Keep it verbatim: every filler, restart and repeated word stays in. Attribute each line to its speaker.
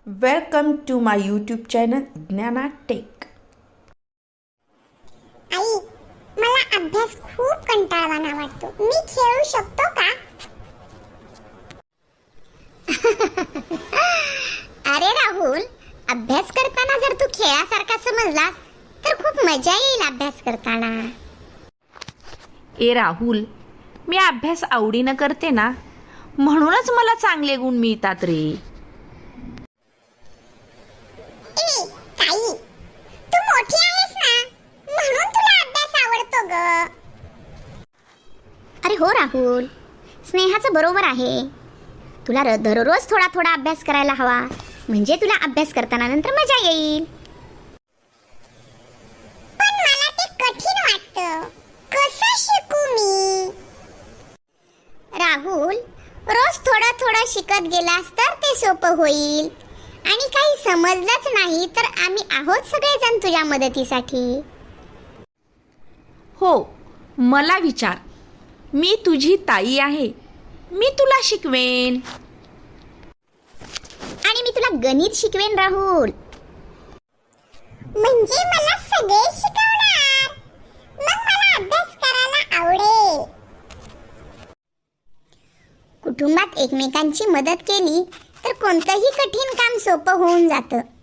Speaker 1: Welcome to my YouTube channel Gnana Tech.
Speaker 2: आई, मला अभ्यास खूप कंटाळवाणा वाटतो. मी खेळू शकतो का? अरे राहुल, अभ्यास करताना जर तू खेळासारखा समजलास तर खूप मजा येईल अभ्यास करताना.
Speaker 1: ए राहुल, मी अभ्यास आवडीनं करते ना, म्हणूनच मला चांगले गुण मिळतात रे.
Speaker 2: ए ताई, तू मोठी आहेस ना, म्हणून तुला अभ्यास आवडतो ग. अरे हो राहुल, स्नेहाचं बरोबर आहे. तुला र- दररोज थोडा थोडा अभ्यास करायला हवा, म्हणजे तुला अभ्यास करताना नंतर मजा येईल. पण मला ते कठीण वाटतं. कसं शिकू मी? राहुल, रोज थोडं थोडं शिकत गेलास तर ते सोपं होईल. आणि काही समजलंच नाही तर आम्ही आहोत सगळेजण तुझ्या मदतीसाठी.
Speaker 1: हो, मला विचार. मी तुझी ताई आहे. मी तुला शिकवेन.
Speaker 2: आणि मी तुला गणित शिकवेन राहुल. म्हणजे मला सगळे शिकवणार. मग मला अभ्यास करायला आवडेल. कुटुंबात एकमेकांची मदत केली तर कोणतंही कठीण काम सोपं होऊन जातं.